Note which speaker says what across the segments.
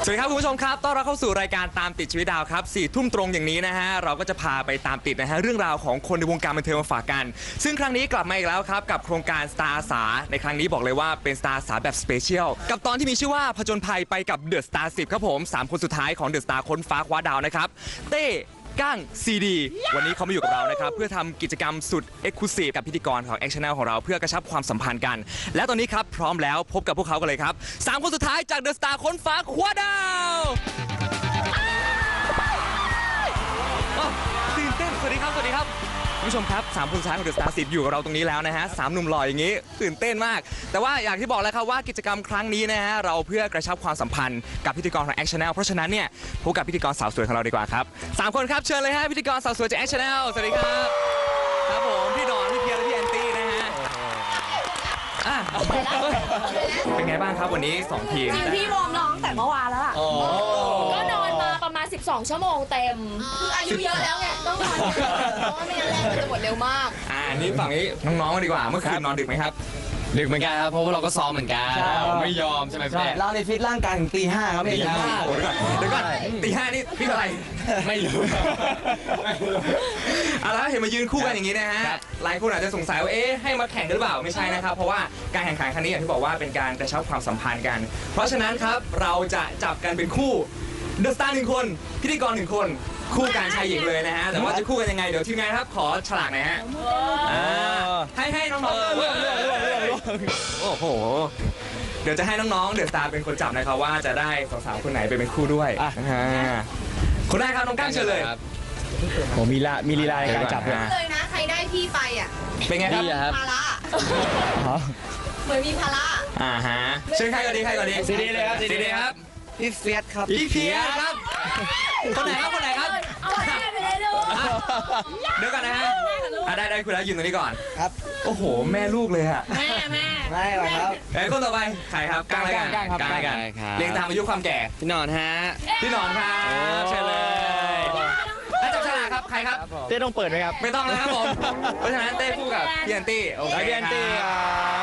Speaker 1: สวัสดีครับคุณผู้ชมครับต้อนรับเข้าสู่รายการตามติดชีวิตดาวครับ4 ทุ่มตรงอย่างนี้นะฮะเราก็จะพาไปตามติดนะฮะเรื่องราวของคนในวงการบันเทิงมาฝากกันซึ่งครั้งนี้กลับมาอีกแล้วครับกับโครงการ Star อาสาในครั้งนี้บอกเลยว่าเป็น Star อาสาแบบสเปเชียลกับตอนที่มีชื่อว่าผจญภัยไปกับ The Star 10ครับผม3 คนสุดท้ายของ The Star ค้นฟ้าคว้าดาวนะครับเต้ก้างซีดีวันนี้เขามาอยู่กับเรานะครับเพื่อทำกิจกรรมสุดเอ็กซ์คลูซีฟกับพิธีกรของ Action Channel ของเราเพื่อกระชับความสัมพันธ์กัน และตอนนี้ครับพร้อมแล้วพบกับพวกเขากันเลยครับ3 คนสุดท้ายจาก The Star ค้นฟ้าคว้าดาวตื่นเต้นสวัสดีครับสวัสดีครับคุณผู้ชมครับ3 คนสุดท้ายของ The Star 10อยู่กับเราตรงนี้แล้วนะฮะ3 หนุ่มหล่ออย่างนี้ตื่นเต้นมากแต่ว่าอย่างที่บอกแล้วครับว่ากิจกรรมครั้งนี้นะฮะเราเพื่อกระชับความสัมพันธ์กับพิธีกรของ Action Channel เพราะฉะนั้นเนี่ยพบกับพิธีกรสาวสวยของเราดีกว่าครับ3 คนครับเชิญเลยฮะพิธีกรสาวสวยจาก Action Channel สวัสดีครับครับผมพี่ดอนพี่เพียรและพี่แอนตี้นะฮะเป็นไงบ้างครับวันนี้2 ทีม
Speaker 2: จริงพี่วอร์มร้องแต่เมื่อวานแล้วล่ะก็นอนมาประมาณ12 ชั่วโมงเต็มคืออายุเยอะแล้วไงต้องนอนเพราะว่าไม่งั้นแรงมันจะหมดเร็วมาก
Speaker 1: นี่ฝั่งนี้น้องๆดีกว่าเมื่อคืนนอนดึกไหมครับ
Speaker 3: ดึกเหมือนกันครับเพราะว่าเราก็ซ้อมเหมือนกันไม่ยอมใช่ไหมพี่
Speaker 4: เราในฟิตร่างกายถึงตี 5ครับพี่
Speaker 1: เดี๋ยวก่อนตี 5นี่พี่อะไร
Speaker 3: ไม่รู้
Speaker 1: แล้วเห็นมายืนคู่กันอย่างนี้นะฮะหลายคนอาจจะสงสัยว่าให้มาแข่งกันหรือเปล่าไม่ใช่นะครับเพราะว่าการแข่งขันครั้งนี้อย่างที่บอกว่าเป็นการกระชับความสัมพันธ์กันเพราะฉะนั้นครับเราจะจับกันเป็นคู่เดอะสตาร์1 คนพิธีกร1 คนคู่การชายหญิงเลยนะฮะแต่ว่าจะคู่กันยังไงเดี๋ยวทีมงานครับขอฉลากหน่อยฮะให้น้องๆโอ้โหเดี๋ยวจะให้น้องๆเดอะสตาร์เป็นคนจับนะครับว่าจะได้สาวๆคนไหนไปเป็นคู่ด้วยคนแรกครับน้องก้างเชิญเลย
Speaker 4: ผมมีลีลาในการจับ
Speaker 2: เลยนะใครได้พี่ไปอ่ะ
Speaker 1: เป็นไงครับ
Speaker 2: ภาระเหมือนมีภาระ
Speaker 1: เชิญใครก่อนดี
Speaker 4: ซีดีเลยครับ
Speaker 1: ซีดีครับ
Speaker 4: พี่เฟียสครับ
Speaker 1: พี่เฟียสครับคนไหนครับ
Speaker 2: เอาไปเลยลูก
Speaker 1: เดี๋ยวก่อนนะฮะได้คุณแล้วยืนตรงนี้ก่อน
Speaker 4: ครับ
Speaker 1: โอ้โหแม่ลูกเลยฮะ
Speaker 2: ไม่
Speaker 4: หรอครับ
Speaker 1: คนต่อไปใครครับก้าง
Speaker 4: ครับ
Speaker 1: เรียงตามอายุความแก่
Speaker 3: พี่นอนฮะ
Speaker 1: พี่นอนครับเชิญเลยถ้าจับฉลากครับใครครับ
Speaker 4: เต้ต้องเปิดไหมครับ
Speaker 1: ไม่ต้องนะครับผมเพราะฉะนั้นเต้คู่กับพี่แอนตี้โอเค
Speaker 4: พี่แอนตี้ครับ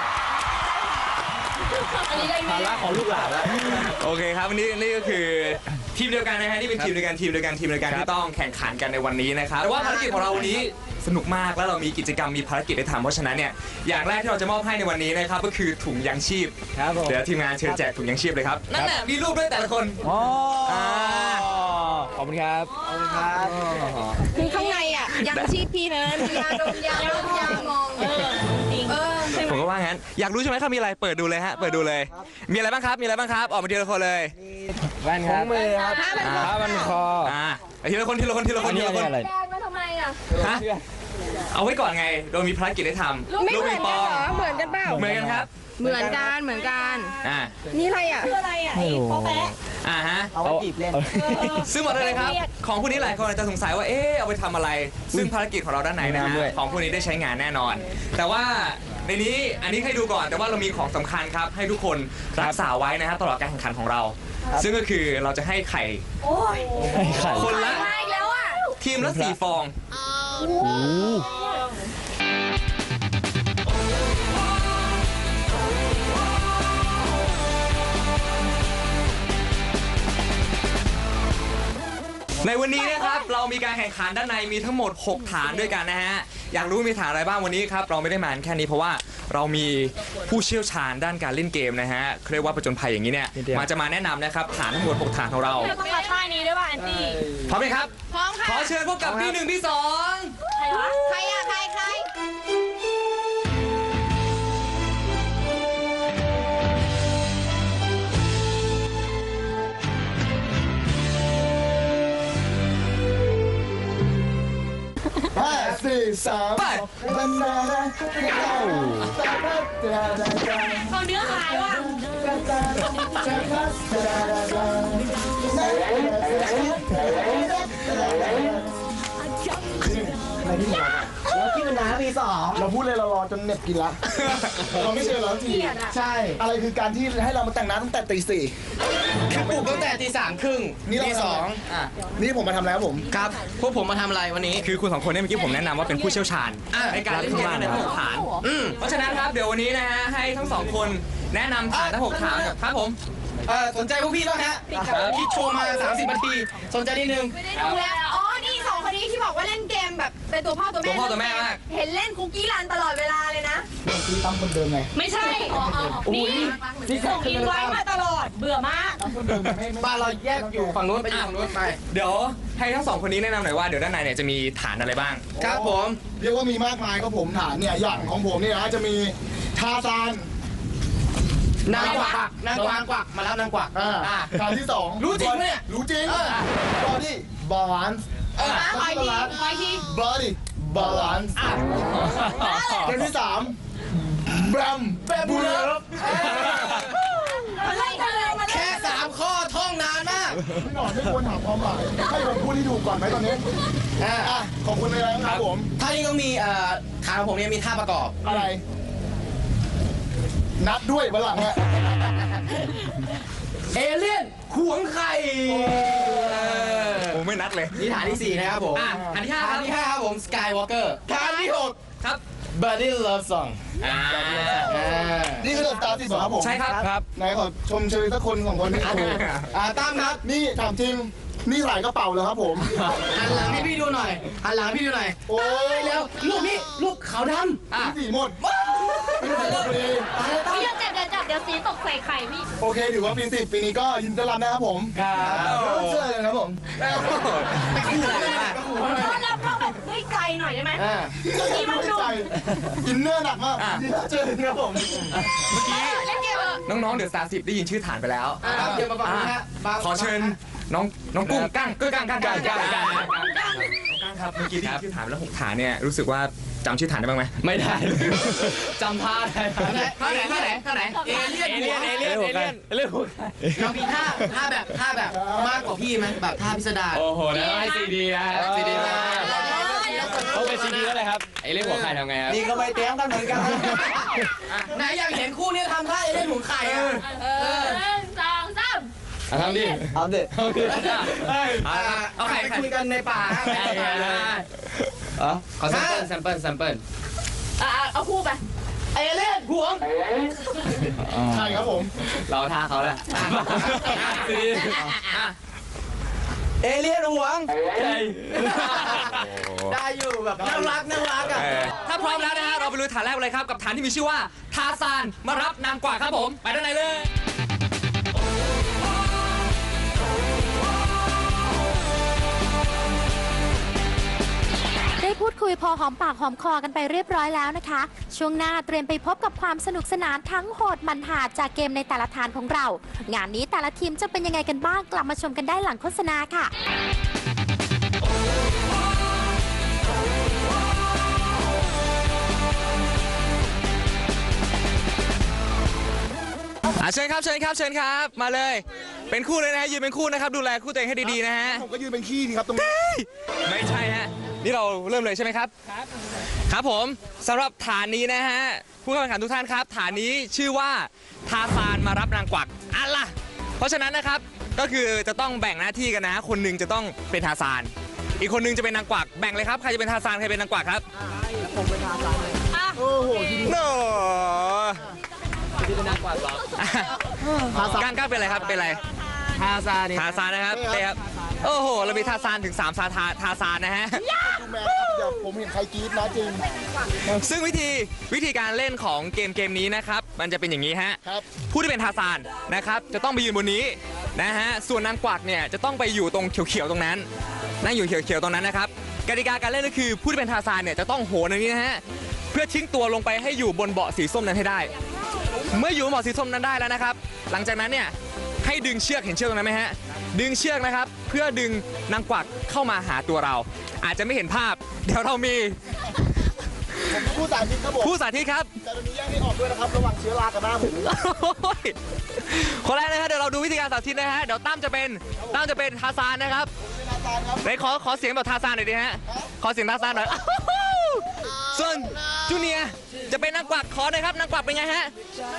Speaker 4: ภาระของลูกหลานแล้ว
Speaker 1: โอเคครับวันนี้นี่ก็คือทีมเดียวกันนะฮะนี่เป็นทีมเดียวกันที่ต้องแข่งขันกันในวันนี้นะครับแต่ว่าภารกิจของเราวันนี้สนุกมากแล้วเรามีกิจกรรมมีภารกิจให้ทำเพราะฉะนั้นเนี่ยอย่างแรกที่เราจะมอบให้ในวันนี้นะครับก็คือถุงยางชีพเดี๋ยวทีมงานเชิญแจกถุงยางชีพเลยครับนั่นแหละมีรูปด้วยแต่ละคน
Speaker 4: ขอบคุณครับ
Speaker 2: คือข้างในอ่ะยังชีพพี่นะมียาดมยามอง
Speaker 1: ผมก็ว่างั้นอยากรู้ใช่ไหมครับมีอะไรเปิดดูเลยฮะเปิดดูเลยมีอะไรบ้างครับออกมาทีละคนเลย
Speaker 4: แว่นครับมือครับผ้าพันคอ
Speaker 1: ทีละคน
Speaker 4: อันนี้อะไร
Speaker 2: แดงมาทำไมอ่ะ
Speaker 1: เอาไว้ก่อนไงเรามีภารกิจให้ทำ
Speaker 2: ไม่เหมือนกันเหรอเหมือนกันเปล่า
Speaker 1: เหมือนกันครับ
Speaker 2: เหมือนกันนี่อะไรอ่ะคืออะไรอ่ะไอ้โป๊ะแปะ
Speaker 4: เอาไว้จีบเล่น
Speaker 1: ซึ่งหมดเลยครับของพวกนี้หลายคนอาจจะสงสัยว่าเอาไปทำอะไรซึ่งภารกิจของเราด้านไหนนะฮะของพวกนี้ได้ใช้งานแน่นอนแต่ว่าในนี้อันนี้ให้ดูก่อนแต่ว่าเรามีของสำคัญครับให้ทุกคนรักษาไว้นะฮะตลอดการแข่งขันของเราซึ่งก็คือเราจะให้ไข่คนละทีมละ4 ฟองในวันนี้นะครับเรามีการแข่งขันด้านในมีทั้งหมด6 ฐานด้วยกันนะฮะอยากรู้มีฐานอะไรบ้างวันนี้ครับเราไม่ได้มาแค่นี้เพราะว่าเรามีผู้เชี่ยวชาญด้านการเล่นเกมนะฮะเรียกว่าผจญภัยอย่างนี้เนี่ยมาแนะนำนะครับฐานทั้งหมด6 ฐานของเรา
Speaker 2: ต้องมาท่านี้ด้วยป่ะแอนตี้
Speaker 1: พร้อมไหมครับ
Speaker 2: พร้อมค่ะ
Speaker 1: ขอเชิญพบกับพี่1พี่2
Speaker 2: ใครวะใครอ่ะใคร
Speaker 4: 4 3
Speaker 1: ไป
Speaker 2: เขาเนื้อหายว่ะ
Speaker 4: อะไรที่มาแล้วที่มันน้ำปี 2เราพูดเลยเรารอจนเน็บกินละเราไม่เชื่อแล้วทีใช่อะไรคือการที่ให้เรามาแต่งหน้าตั้งแต่ตี 4
Speaker 3: คือปลุกตั้งแต่ตี 3 ครึ่งตี 2
Speaker 4: นี่ผมมาทำแล้วผม
Speaker 3: ครับพวกผมมาทำอะไรวันนี้
Speaker 1: คือคุณ2 คนเนี่ยเมื่อกี้ผมแนะนำว่าเป็นผู้เชี่ยวชาญในการเล่นเกมใน6 ฐานเพราะฉะนั้นครับเดี๋ยววันนี้นะฮะให้ทั้ง2 คนแนะนำฐานทั้ง6 ฐานครับผม
Speaker 3: สนใจพวกพี่บ้างฮะคิดโชว์มา 30 นาที สนใจนิดนึง
Speaker 2: ไม่ได้ดูแล้วอ๋อ นี่สองคนนี้ที่บอกว่าเล่นเกมแบบเป็นตัวพ่อตัวแม่
Speaker 1: ตัวพ่อตัวแม่มาก
Speaker 2: เห็นเล่นคุกกี้รันตลอดเวลาเลยนะ
Speaker 4: คือตั้มคนเดิมไง
Speaker 2: ไม่ใช่นี่ส่งอินไว้มาตลอด เบื่อมาก
Speaker 4: ตั้มคนเดิมไม่
Speaker 3: บ้านเราแยกอยู่ฝั่งนู้นไปอยู่ฝั่งนู้นไป
Speaker 1: เดี๋ยวให้ทั้งสองคนนี้แนะนำหน่อยว่าเดี๋ยวด้านในเนี่ยจะมีฐานอะไรบ้าง
Speaker 3: ครับผม
Speaker 4: เรียกว่ามีมากมายครับผมฐานเนี่ยอย่างของผมเนี่ยนะจะมีทาซาน
Speaker 3: นางกวักมาแล้วนางกวัก
Speaker 4: ฐานที่สอง
Speaker 3: รู้จริงไหมเนี่ย
Speaker 4: รู้จริงบอดี้บาลานซ์
Speaker 2: คอยที
Speaker 4: บอดี้บาลานซ์ฐานที่สามแบมบูเลฟ
Speaker 2: อะไรกันเลยมา
Speaker 3: แค่ 3 ข้อท่องนานมาก
Speaker 4: พี่หนอนไม่ควรถามความหมายให้ผมพูดที่ถูกก่อนไหมตอนนี้ขอบคุณเลยนะครับผม
Speaker 3: ท่านี้ต้องมีฐานของผมเนี่ยมีท่าประกอบ
Speaker 4: อะไร นัดด้วยวันหลังฮะ
Speaker 3: เอเลี่ยนขวงไข่
Speaker 1: โอ้ไม่นัดเลย
Speaker 3: นี่ฐานที่ 4 นะครับผม
Speaker 1: ฐานที่ 5 ค
Speaker 3: ฐา
Speaker 1: รั
Speaker 3: น
Speaker 1: บ
Speaker 3: ที่ 5 ครับผม Skywalker ฐานที่
Speaker 1: ครับ
Speaker 3: 6 Buddy Love Song
Speaker 4: นี่คือสตาร์ติดเหรอครับผม
Speaker 1: ใช่ครับ
Speaker 4: ไหนขอชมเชยสักคนสองคนนี่โอ้โห
Speaker 3: ตั้มครับ
Speaker 4: นี่ถามจริง นี่หลายกระเป๋าเลยครับผม
Speaker 3: หันหลังให้พี่ดูหน่อยหันหลังให้พี่ดูหน่อย
Speaker 4: โอ้ย
Speaker 3: แล้วรูปนี้รูปขาวด
Speaker 4: พี่สีหมดไม่ได้เลย
Speaker 2: พี่อย่าจับเดี๋ยวสีตกใส่ไข่พี่
Speaker 4: โอเคถือว่าปี10ปีนี้ก็ยินดีต้อนรับนะครับผม
Speaker 3: ำครับ
Speaker 4: เชื่อเลยครับผม
Speaker 3: ไปคู่เลยนะ
Speaker 2: ต้อนรับเราแบบด้วยใจหน่อยได้ไหม
Speaker 4: นี่มันดูอินเนอร์หนักมากเจอเลยครับผม
Speaker 1: เมื่อกี้
Speaker 2: เล่นเกมเถอะ
Speaker 1: น้องๆเดอะสตาร์10ได้ยินชื่อฐานไปแล้ว
Speaker 3: ครับเดี๋ยวมาฟังนะฮะ
Speaker 1: ขอเชิญน้องกุ้งกั้งครับเมื่อกี้ได้ยินชื่อฐานไปแล้ว6ฐานเนี่ยรู้สึกว่าจำชื่อฐานได้บ้างไหม
Speaker 3: ไม่ได้จำท่าได้
Speaker 1: ท่าไหน
Speaker 3: เอเลี่ยนเรามีท่าแบบมากกว่าพี่ไหมแบบท่าพิสดาร
Speaker 5: โอ้โหแล้วให้ซีดีนะ
Speaker 3: ซีดีมาก
Speaker 5: ต้องเป็นซีดีแล้วเลยครับไอ้เรื่องหัวไข่ทำไงครับ
Speaker 3: นี่ก็ไม่เตรียมกันเหมือนกันไหนอยากเห็นคู่นี้ทำท่าเอเลี่ยนหัวไข่อะ
Speaker 2: 1 2 3
Speaker 5: ทำดิ
Speaker 3: เอาเด็ด
Speaker 1: เอาไข่
Speaker 3: ไปคุยกันในป่า
Speaker 5: ขอแซมเปิล
Speaker 2: เอาคู่ไป
Speaker 3: เอเลี่ยนหวง
Speaker 4: ใช่ครับผม
Speaker 5: เราท่าเขาแหละซีดี
Speaker 3: เอเลี่ยนหวง
Speaker 5: ใช่
Speaker 3: ได้อยู่แบบน่ารักอ่ะ
Speaker 1: ถ้าพร้อมแล้วนะฮะเราไปลุยฐานแรกเลยครับกับฐานที่มีชื่อว่าทาซานมารับนางกวักครับผมไปด้านในเลย
Speaker 6: ได้พูดคุยพอหอมปากหอมคอกันไปเรียบร้อยแล้วนะคะ ช่วงหน้าเตรียมไปพบกับความสนุกสนานทั้งโหดมันหาจากเกมในแต่ละฐานของเรา งานนี้แต่ละทีมจะเป็นยังไงกันบ้างกลับมาชมกันได้หลังโฆษณาค่ะ
Speaker 1: เชิญครับมาเลย เป็นคู่เลยนะฮะยืนเป็นคู่นะครับดูแลคู่ตัวเองให้ดีๆนะฮะ
Speaker 4: ผมก็ยืนเป็นขี้ดีครับตรงนี้
Speaker 1: ไม่ใช่ฮะนี่เราเริ่มเลยใช่ไหมครับครับผมสำหรับฐานนี้นะฮะผู้เข้าแข่งขันทุกท่านครับฐานนี้ชื่อว่าทาซานมารับนางกวักอันล่ะเพราะฉะนั้นนะครับก็คือจะต้องแบ่งหน้าที่กันนะคนหนึ่งจะต้องเป็นทาซานอีกคนหนึงจะเป็นนางกวักแบ่งเลยครับใครจะเป็นทาซานใครเป็นนางกวักครับ
Speaker 4: โอ้โห
Speaker 1: โน่
Speaker 5: ที่เป็นนักกวาดหรอ
Speaker 1: ก้างเป็นอะไรครับเป็นอะไร
Speaker 5: ท่าซาดิ
Speaker 1: ทาซานนะครับเต้ครับโอ้โหเรามีทาซานถึง3ทาซานนะฮะ
Speaker 4: ดูแมนครับเดี๋ยวผมเห็นใครกรี๊ดนะจริง
Speaker 1: ซึ่งวิธีการเล่นของเกมนี้นะครับมันจะเป็นอย่างนี้ฮะ
Speaker 4: ครับ
Speaker 1: ผู้ที่เป็นทาซานนะครับจะต้องไปยืนบนนี้นะฮะส่วนนางกวักเนี่ยจะต้องไปอยู่ตรงเขียวๆตรงนั้นนั่งอยู่เขียวๆตรงนั้นนะครับกติกาการเล่นก็คือผู้ที่เป็นทาซานเนี่ยจะต้องโหนอย่างนี้นะฮะเพื่อทิ้งตัวลงไปให้อยู่บนเบาะสีส้มนั้นให้ได้ เมื่ออยู่บนเบาะสีส้มนั้นได้แล้วนะครับหลังจากนั้นเนี่ยให้ดึงเชือกเห็นเชือกตรงนั้นไหมฮะดึงเชือกนะครับเพื่อดึงนางกวักเข้ามาหาตัวเรา อาจจะไม่เห็นภาพเดี๋ยวเรามี
Speaker 4: ผมผู้สาธิตครับผม
Speaker 1: ผู้สาธิตครับ
Speaker 4: แต่ตอนนี้แยกให้ออกด้วยนะครับระหว่างเชื้อรากับหน้าผม
Speaker 1: คนแรกนะครับเดี๋ยวเราดูวิธีการสาธิตนะฮะเดี๋ยวตั้มจะเป็นทาซานนะครับ
Speaker 4: เป็นอาจารย์ครับ
Speaker 1: ไหนขอเสียงแบบทาซานหน่อยดิฮะขอเสียงทาซานหน่อยส่วนจูเนียร์จะเป็นนางกวักขอหน่อยครับนางกวักเป็นไงฮะ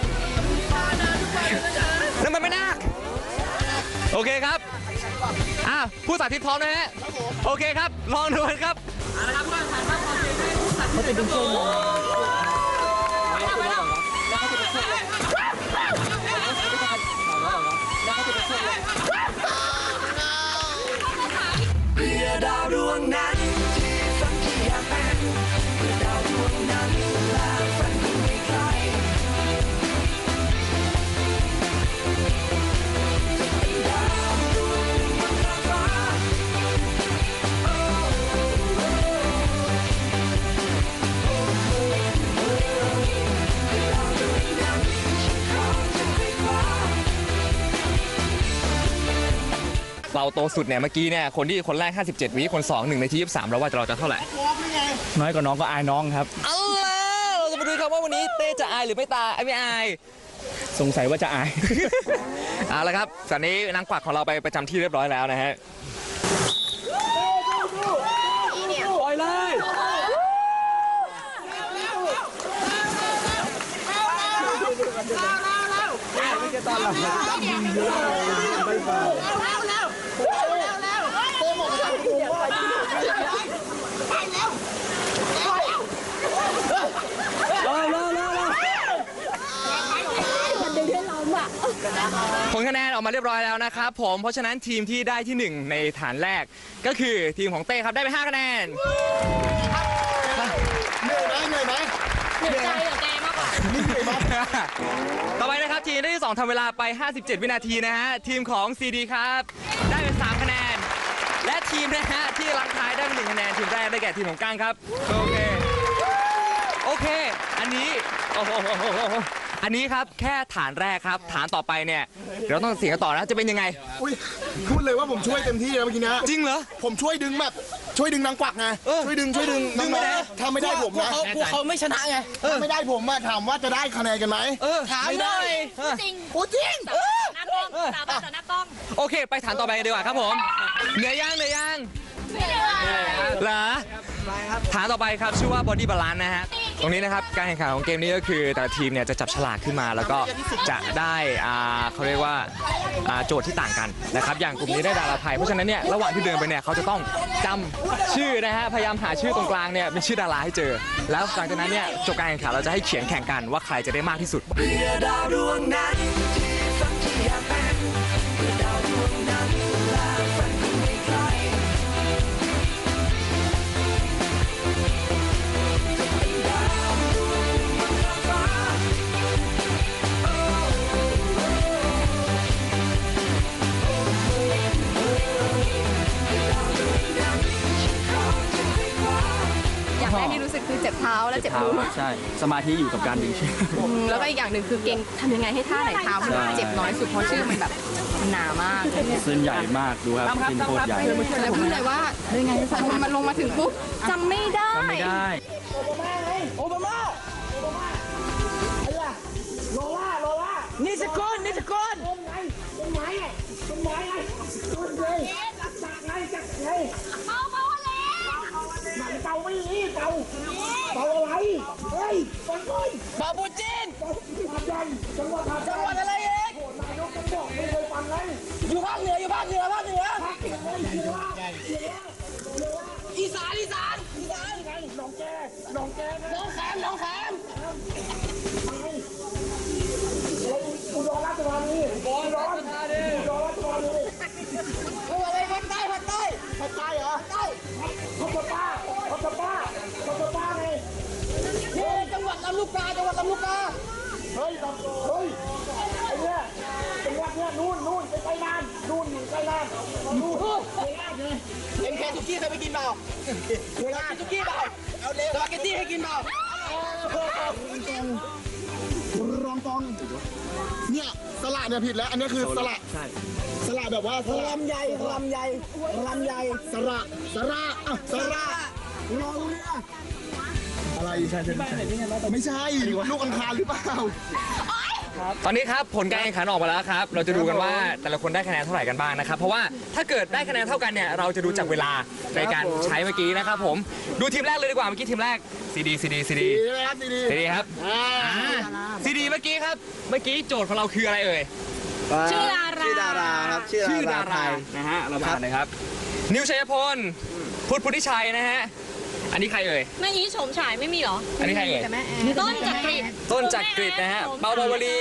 Speaker 1: นั่นมันไม่น่าโอเคครับผู้สาธิตพร้อมนะฮะโอเคครับลองดูกันครับเขาจะดึงช่วยเราโตสุดเนี่ยเมื่อกี้เนี่ยคนแรก 57 วิคน2 1 นาที 23แล้วว่าเราจะเท่าไหร่
Speaker 5: น้อยกว่าน้องก็อายน้องครับ
Speaker 1: เอาล่ะเราจะมาดูครับว่าวันนี้เต้จะอายหรือไม่ไม่อาย
Speaker 5: สงสัยว่าจะอาย
Speaker 1: เอาละครับตอนนี้นางกวักของเราไปประจำที่เรียบร้อยแล้วนะฮะปล่อยเลยผลคะแนนออกมาเรียบร้อยแล้วนะครับผมเพราะฉะนั้นทีมที่ได้ที่ 1 ในฐานแรกก็คือทีมของเต้ครับได้ไป5คะแนน
Speaker 4: เหนื่อยไหม
Speaker 2: เหนื่อยใจเหรอแกมากกว่า
Speaker 1: ต่อไปนะครับทีมที่2ทำเวลาไป 57 วินาทีนะฮะทีมของซีดีครับได้เป็น3คะแนนและทีมนะฮะที่ลังท้ายได้เป็น1คะแนนทีมแรกได้แก่ทีมของก้างครับโอเคอันนี้โอ้โหอันนี้ครับแค่ฐานแรกครับฐานต่อไปเนี่ยเดี๋ยวต้องเสียงกันต่อนะจะเป็นยังไง
Speaker 4: อุ้ยพูดเลยว่าผมช่วยเต็มที่แล้วเมื่อกี้นะ
Speaker 1: จริงเหรอ
Speaker 4: ผมช่วยดึงนางกวักไงช่วยดึงน้องๆถ้าไม่ได้ผมนะ
Speaker 3: พวกเขาไม่ชนะไง
Speaker 4: ถ้าไม่ได้ผมอะถามว่าจะได้คะแนนกันไหม
Speaker 3: ถามเลย
Speaker 2: จริง
Speaker 4: โอ้จริง
Speaker 2: หน้ากล้องสาบานต่อหน้ากล้อง
Speaker 1: โอเคไปฐานต่อไปกันดีกว่าครับผมเหนื่อยยังเหรอฐานต่อไปครับชื่อว่า Body Balance นะฮะตรงนี้นะครับการแข่งขันของเกมนี้ก็คือแต่ละทีมเนี่ยจะจับฉลากขึ้นมาแล้วก็จะได้เขาเรียกว่าโจทย์ที่ต่างกันนะครับอย่างกลุ่มนี้ได้ดาราไทยเพราะฉะนั้นเนี่ยระหว่างที่เดินไปเนี่ยเขาจะต้องจำชื่อนะฮะพยายามหาชื่อตรงกลางเนี่ยเป็นชื่อดาราให้เจอแล้วหลังจากนั้นเนี่ยจบการแข่งขันเราจะให้เขียนแข่งกันว่าใครจะได้มากที่สุด
Speaker 7: อย่างแรกที่รู้สึกคือเจ็บเท้าและเจ็บมือ
Speaker 5: ใช่สมาธิอยู่กับการดึงเชือก
Speaker 7: แล้วก็อีกอย่างหนึ่งคือเก่งทำยังไงให้ท่าไหนเท้ามันเจ็บน้อยสุดเพราะชื่อมันแบบมันหนามาก
Speaker 5: เส้นใหญ่มากดูครับเส้นโคตรใหญ่
Speaker 7: แล้วพูดเลยว่ามันลงมาถึงปุ๊บจำไม่ได้
Speaker 5: ไม่ได้
Speaker 3: นี่สกุล บาบูจินจังหวัดอะไรเองอยู่ภาคเหนืออีสานหนองแขมอุดรราชธานีอะไรภาคใต้เหรอภาคใต้ไงนี่จังหวัดลำลูกกาเฮ้ยไอ้เนี่ยจังหวัดเนี่ยนู่นไปใกล้น้ำนู่นอยู่ใกล้น้ำนู่นเอ็มเคซุกี้เคยไปกินเปล่าเคยกินซุกี้เปล่าเอาเลยสปาเกตตี้ให้กินเปล่าร
Speaker 4: องกองเนี่ยสละเนี่ยผิดแล้วอันนี้คือสละสละแบบว่าลำใหญ่สระรอเรืออะไรไม่ใช่ลูกอังคารหรือเปล่า
Speaker 1: ตอนนี้ครับผลการแข่งขันออกมาแล้วครับเราจะดูกันว่าแต่ละคนได้คะแนนเท่าไหร่กันบ้างนะครับเพราะว่าถ้าเกิดได้คะแนนเท่ากันเนี่ยเราจะดูจากเวลาในการใช้เมื่อกี้นะครับผมดูทีมแรกเลยดีกว่าเมื่อกี้ทีมแรกซีดี
Speaker 4: ดีไหมครับดี
Speaker 1: ครับซีดีเมื่อกี้โจทย์ของเราคืออะไรเอ่ย
Speaker 2: ชื่อดารา
Speaker 3: ครับ
Speaker 1: ชื่อดารานะฮะเราผ่านนะครับนิวชัยพลพุทธิชัยนะฮะอันนี้ใครเอ่ย
Speaker 2: แม่นี้โฉมฉายไม่มีเหรอ
Speaker 1: อันนี้ใครเอ่ย
Speaker 2: ต้นจักริด
Speaker 1: ต้นจักริดนะฮะเปาปาวลี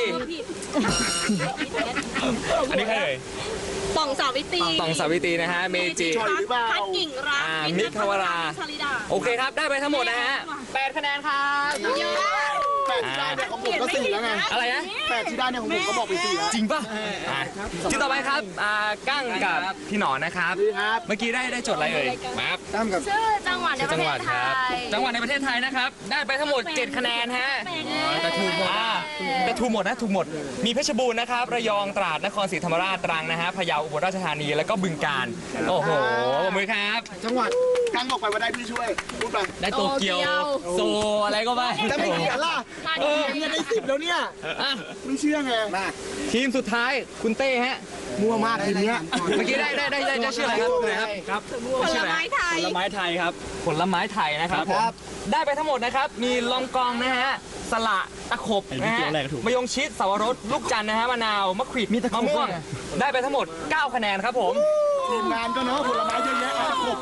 Speaker 1: อันนี้ใครเอ่ย
Speaker 2: ต่องสาวิตรี
Speaker 1: ต่องสาวิตรีนะฮะเมจิ
Speaker 2: พัดกิ่งรัก
Speaker 1: มิตรภวรา
Speaker 2: ชลิดา
Speaker 1: โอเคครับได้ไปทั้งหมดนะฮะ8คะแนนครับ
Speaker 4: 8ที่ได้เนี่ยของผมก็4แล้วไง
Speaker 1: อะไรนะ
Speaker 4: 8ที่ได้เนี่ยของผมก็บอกไป4แล้ว
Speaker 1: จริงป่ะที่ต่อไปครับกั้งกับพี่หนอนนะครับ เมื่อกี้ได้โจทย์อะไรเอ่ยมาครับ
Speaker 4: ตั้มกับ
Speaker 2: ชื่อจังหวัดในประเทศไทย
Speaker 1: จังหวัดในประเทศไทยนะครับได้ไปทั้งหมด7คะแนนฮะแต่ถูกหมดแต่ถูกหมดนะถูกหมด มีเพชรบูรณ์นะครับ ระยอง ตราด นครศรีธรรมราช ตรังนะฮะ พะเยา อุบลราชธานี แล้วก็บึงกาฬ โอ้โหปรบมือครับ
Speaker 4: จังหวัดกั้งบอกไปว่าได้พี่ช่วย พูดไป
Speaker 5: ได้โตเกียว โซอะไรก็ไม่
Speaker 4: แต่ไม่เขียนล่ะเนี่ยได้10แล้วเนี่ย
Speaker 5: อ่ะ
Speaker 4: ไม่เชื่อไง
Speaker 1: ทีมสุดท้ายคุณเต้ฮะ
Speaker 4: มั่วมากทีเนี้ย
Speaker 1: เมื่อกี้ได้ชื่ออะไรครับครับ
Speaker 7: ผลไม้ไทย
Speaker 5: ผลไม้ไทยครับ
Speaker 1: ผลไม้ไทยนะครับผมได้ไปทั้งหมดนะครับ มีลองกองนะฮะ สละตะขบนะฮะมะยงชิดสวรสลูกจันทร์นะฮะมะนาวมะขวิดมะม่วง ได้ไปทั้งหมด 9 คะแนนครับผม
Speaker 4: ทีมงานก็เนาะผลไม้เยอะแยะมาครบ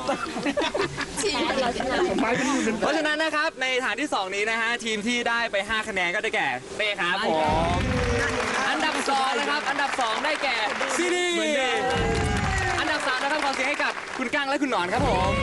Speaker 4: ผลไม้ก็มีเป็น
Speaker 1: เพราะฉะนั้นนะครับในฐานที่ 2 นี้นะฮะทีมที่ได้ไป 5 คะแนนก็ได้แก่เต้ครับผมอันดับ2นะครับอันดับ 2 ได้แก่ซีดีอันดับ 3 นะครับขอเสียงให้กับคุณกั้งและคุณหนอนครับผม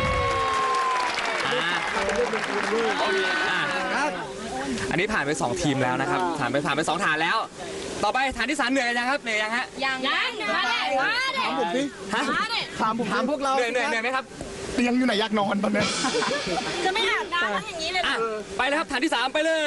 Speaker 1: อันนี้ผ่านไป 2 ทีมแล้วนะครับผ่านไป 2 ฐานแล้ว ต่อไปฐานที่ 3 เหนื่อยยังครับเหนื่อยยังฮะ
Speaker 2: ยังมาเลยมาเลย
Speaker 4: ถามผมสิ
Speaker 1: ฮะ
Speaker 4: ถามพวกเรา
Speaker 1: เหนื่อยไหมครับ
Speaker 4: เตียงอยู่ไหนอยากนอนตอนนี้
Speaker 2: จะไม่อาบน้ำแล้วอย่างนี้เลย
Speaker 1: อ่ะไปเลยครับฐานที่ 3 ไปเลย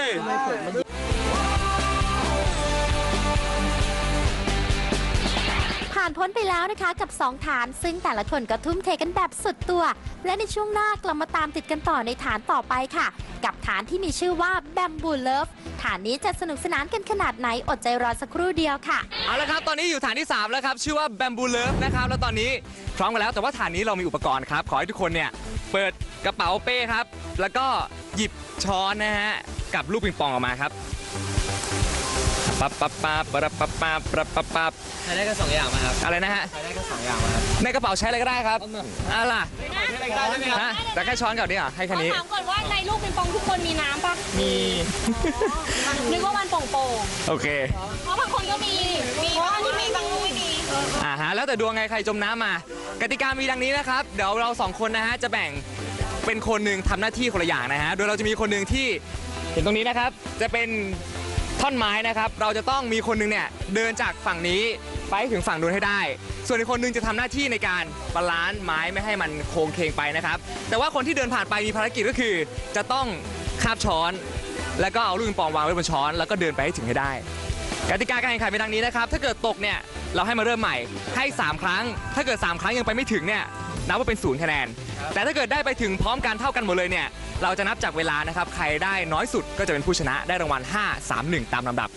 Speaker 6: ผ่านพ้นไปแล้วนะคะกับ 2 ฐาน ซึ่งแต่ละคนก็ทุ่มเทกันแบบสุดตัว และในช่วงหน้ากลับมาตามติดกันต่อในฐานต่อไปค่ะ กับฐานที่มีชื่อว่า Bamboo Love ฐานนี้จะสนุกสนานกันขนาดไหนอดใจรอสักครู่เดียวค่ะ
Speaker 1: เอาละครับตอนนี้อยู่ฐานที่ 3 แล้วครับชื่อว่า Bamboo Love นะครับแล้วตอนนี้พร้อมกันแล้วแต่ว่าฐานนี้เรามีอุปกรณ์ครับขอให้ทุกคนเนี่ยเปิดกระเป๋าเป้ครับแล้วก็หยิบช้อนนะฮะกับลูกปิงปองออกมาครับปั๊บปั๊บปั๊บปั๊บปั๊บปั๊บปั๊บปั๊บปั๊บ
Speaker 5: ใช้ได้แค่2 อย่างมาครับ
Speaker 1: อะไรนะฮะ
Speaker 5: ใช้ได้แค่2 อย่างมาครับ
Speaker 1: ในกระเป๋าใช้อะไรก็ได้ครับอะไรล่ะ
Speaker 5: ใช้อะไรก็ได้ใช่ไหมครับ
Speaker 1: ฮะแต่แค่ช้อนกับนี่เหรอให้แค่นี้
Speaker 2: ถามก่อนว่าในลูกปิงปองทุกคนมีน้ำปะ
Speaker 1: มี
Speaker 2: นึกว่ามันโป่ง
Speaker 1: โอเค
Speaker 2: ๆเพราะบางคนก็มีเพราะอันที่มีบางลูกไม่มี
Speaker 1: ฮะแล้วแต่ดวงไงใครจมน้ำมากติกามีดังนี้นะครับเดี๋ยวเรา2 คนนะฮะจะแบ่งเป็นคนหนึ่งทำหน้าที่คนละอย่างนะฮะโดยเราจะมีคนหนึ่งที่เห็นตรงนี้นะครับจะเป็นท่อนไม้นะครับเราจะต้องมีคนหนึงเนี่ยเดินจากฝั่งนี้ไปถึงฝั่งนู้นให้ได้ ส่วนอีกคนหนึงจะทำหน้าที่ในการบาลานซ์ไม้ไม่ให้มันโค้งเคงไปนะครับแต่ว่าคนที่เดินผ่านไปมีภารกิจก็คือ จะต้องคาบช้อน แล้วก็เอาลูกปิงปองวางไว้บนช้อนแล้วก็เดินไปให้ถึงให้ได้ กติกาการแข่งขันเป็นดังนี้นะครับถ้าเกิดตกเนี่ยเราให้มาเริ่มใหม่ให้3 ครั้ง ถ้าเกิด3 ครั้งยังไปไม่ถึงเนี่ยนับว่าเป็น0 คะแนนแต่ถ้าเกิดได้ไปถึงพร้อมกันเท่ากันหมดเลยเนี่ยเราจะนับจากเวลานะครับใครได้น้อยสุดก็จะเป็นผู้ชนะได้รางวัล5 3 1ตามลำดับ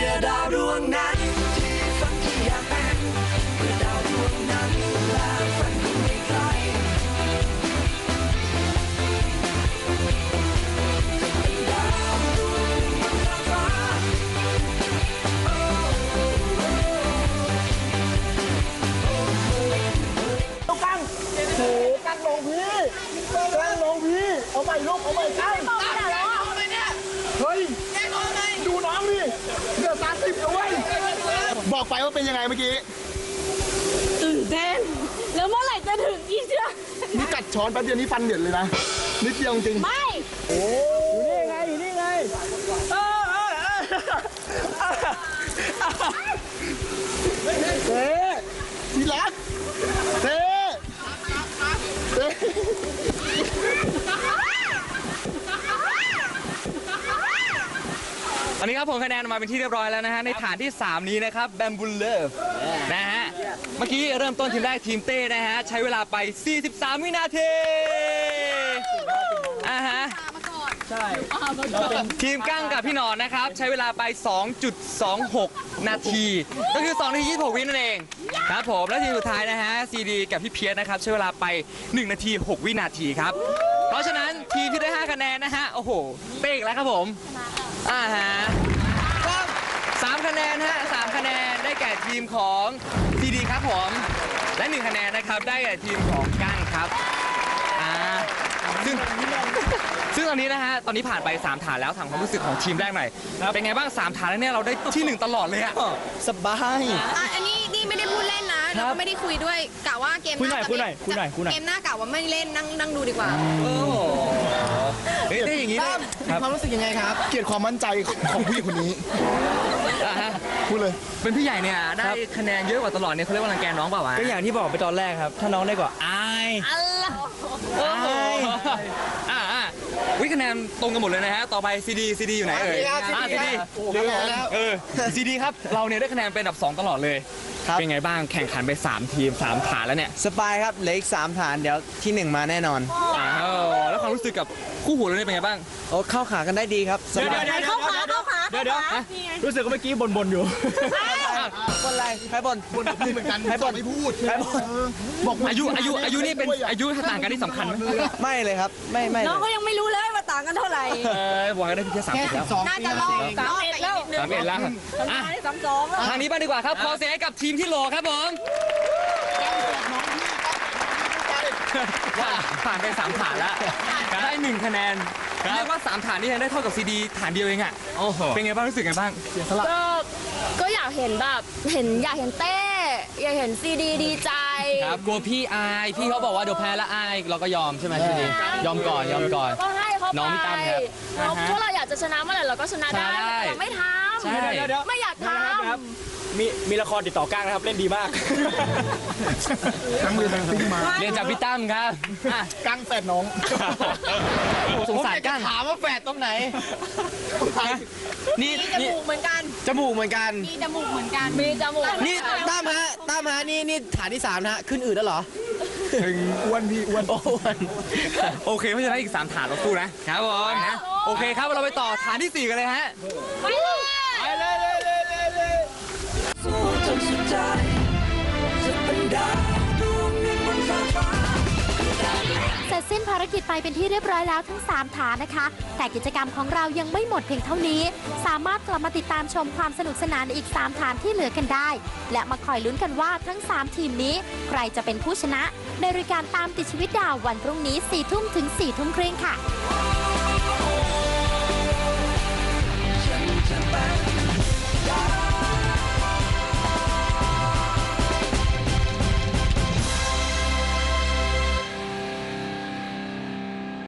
Speaker 4: ลูกกั้งโหกั้งลงพี่กั้งลงพี่เอาใหม่ลูกเอาใหม่กั้งเฮ้ยดูน้องดิเหลือ30แล้วเว้ยบอกไปว่าเป็นยังไงเมื่อกี้
Speaker 2: ตื่นเต้นแล้วเมื่อไหร่จะถึงอีเชื่อ
Speaker 4: นี่กัดช้อนแป๊บเดียวนี่ฟันเดือดเลยนะนิดเดียวจริง
Speaker 2: ไม่
Speaker 4: อยู่นี่ไงเต้ทีรักเต้เต้
Speaker 1: ตอนนี้ครับผมคะแนนออกมาเป็นที่เรียบร้อยแล้วนะฮะในฐานที่ 3 นี้นะครับ Bamboo Love นะฮะเมื่อกี้เริ่มต้นทีมแรกทีมเต้นะฮะใช้เวลาไป 43 วินาทีฮะทีมกั้งกับพี่หนอนนะครับใช้เวลาไป 2.26 นาที ก็คือ2นาที26 วินั่นเองครับผมและทีมสุดท้ายนะฮะซีดีกับพี่เพียรนะครับใช้เวลาไป 1 นาที 6 วินาทีครับเพราะฉะนั้นทีมที่ได้ 5 คะแนนนะฮะโอ้โหเป๊กแล้วครับผมฮะ3 คะแนนฮะ3 คะแนนได้แก่ทีมของซีดีครับผมและ1 คะแนนนะครับได้แก่ทีมของกั้งครับซึ่งตอนนี้นะฮะตอนนี้ผ่านไป3 ฐานแล้วถามความรู้สึกของทีมแรกหน่อยเป็นไงบ้าง3 ฐานแล้วเนี่ยเราได้ที่ 1 ตลอดเลยอะ
Speaker 4: สบาย
Speaker 7: อันนี้นี่ไม่ได้พูดเล่นนะแล้วก็ไม่ได้คุยด้วยกะว่าเกมหน้าเกมหน้ากะว่าไม่เล่นนั่งดูดีกว่า
Speaker 1: เฮ้ยได้อย่างนี้
Speaker 4: ตั้ม
Speaker 1: ค
Speaker 4: มี
Speaker 1: รับ
Speaker 4: ความรู้สึกยังไงครับ เกลียดความมั่นใจของผู้หญิงคนนี้ พูดเลย
Speaker 1: เป็นพี่ใหญ่เนี่ยได้คะแนนเยอะกว่าตลอดเนี่ยเขาเรียกว่ารังแกน้องเปล่าวะ
Speaker 5: ก็อย่างที่บอกไปตอนแรกครับ ถ้าน้องได้กว่าอาย
Speaker 1: โอ้โหวิคะแนนตรงกันหมดเลยนะฮะต่อไปซีดีอยู่ไหนเอ่ยซีดีซีดีครับเราเนี่ยได้คะแนนเป็นอันดับ2ตลอดเลยเป็นไงบ้างแข่งขันไป3ทีม3ฐานแล้วเนี่ย
Speaker 8: สบายครับเหลืออีก3ฐานเดี๋ยวที่ 1 มาแน่นอน
Speaker 1: แล้วความรู้สึกกับคู่หูเราเนี่ยเป็นไงบ้าง
Speaker 8: โอ้เข้าขากันได้ดีครับสบาย
Speaker 2: เข้าขา
Speaker 1: เดี๋ยว
Speaker 5: รู้สึกว่าเมื่อกี้บ่นอยู่
Speaker 8: บนอะไรใครบน
Speaker 4: บนกับพี่เหมือนกัน
Speaker 8: ใครบน
Speaker 4: ไม่พูด
Speaker 8: ใครบน
Speaker 4: บอก
Speaker 1: อายุนี่เป็นอายุต่างกันที่สำคัญไหม
Speaker 8: ไม่เลยครับไม่
Speaker 2: น้องก็ยังไม่รู้เลยว่าต่างกันเท่าไหร่
Speaker 1: บอกกันได้เพียงแค่30แล้ว
Speaker 7: น่าจะรอบ
Speaker 2: 31แล้ว
Speaker 1: 31แล้วอ่ะ
Speaker 2: 32แล้ว
Speaker 1: ทางนี้บ้างดีกว่าครับขอเสียงให้กับทีมที่โหลครับผมผ่านไป3ฐานแล้วได้1คะแนนเรียกว่า3ฐานนี่ยังได้เท่ากับซีดีฐานเดียวเองอ่ะเป็นไงบ้างรู้สึกไงบ้าง
Speaker 2: ก็อยากเห็นแบบอยากเห็นเต้อยากเห็นซีดีดีใจ
Speaker 5: ครับกลัวพี่อายพี่เขาบอกว่าเดี๋ยวแพ้แล้วอายเราก็ยอมใช่ไหมพี่ดียอมก่อน
Speaker 2: ก็ให้เขาไป
Speaker 5: น้องพี่ตั้มครับ
Speaker 2: เพราะเราอยากจะชนะเมื่อไหร่เราก็ชนะได้
Speaker 5: ใช่
Speaker 2: แต่เราไม่ท
Speaker 5: ใช่
Speaker 2: ำไม่อยากทำ
Speaker 5: มีละครติดต่อก้างนะครับเล่นดีมาก
Speaker 4: ทั้งเรียนทั้งซิ่งมา
Speaker 5: เรียนจากพี่ตั้มครับ
Speaker 4: กั้งแฝดน้อง
Speaker 5: สงสารก้าง
Speaker 8: ถามว่าแฝดตรงไหน
Speaker 5: นี่
Speaker 7: จมูกเหมือนกัน
Speaker 8: จมูกเหมือนกัน
Speaker 7: มีจมูกเหมือนกัน
Speaker 2: มีจมูก
Speaker 8: นี่ตั้มฮะนี่ฐานที่3นะฮะขึ้นอืดแล้วเหรอ
Speaker 4: อ้วนพี่อ้วน
Speaker 8: โอ้วน
Speaker 1: โอเคเพราะฉะนั้นอีก3ฐานเราสู้นะครับผมนะโอเคครับเราไปต่อฐานที่4กันเลยฮะ
Speaker 2: ไปเลย
Speaker 6: เสร็จสิ้นภารกิจไปเป็นที่เรียบร้อยแล้วทั้ง 3 ฐานนะคะ แต่กิจกรรมของเรายังไม่หมดเพียงเท่านี้ สามารถกลับมาติดตามชมความสนุกสนานอีก 3 ฐานที่เหลือกันได้ และมาคอยลุ้นกันว่าทั้ง 3 ทีมนี้ ใครจะเป็นผู้ชนะ ในรายการตามติดชีวิตดาววันพรุ่งนี้ 4 ทุ่มถึง 4 ทุ่มครึ่งค่ะ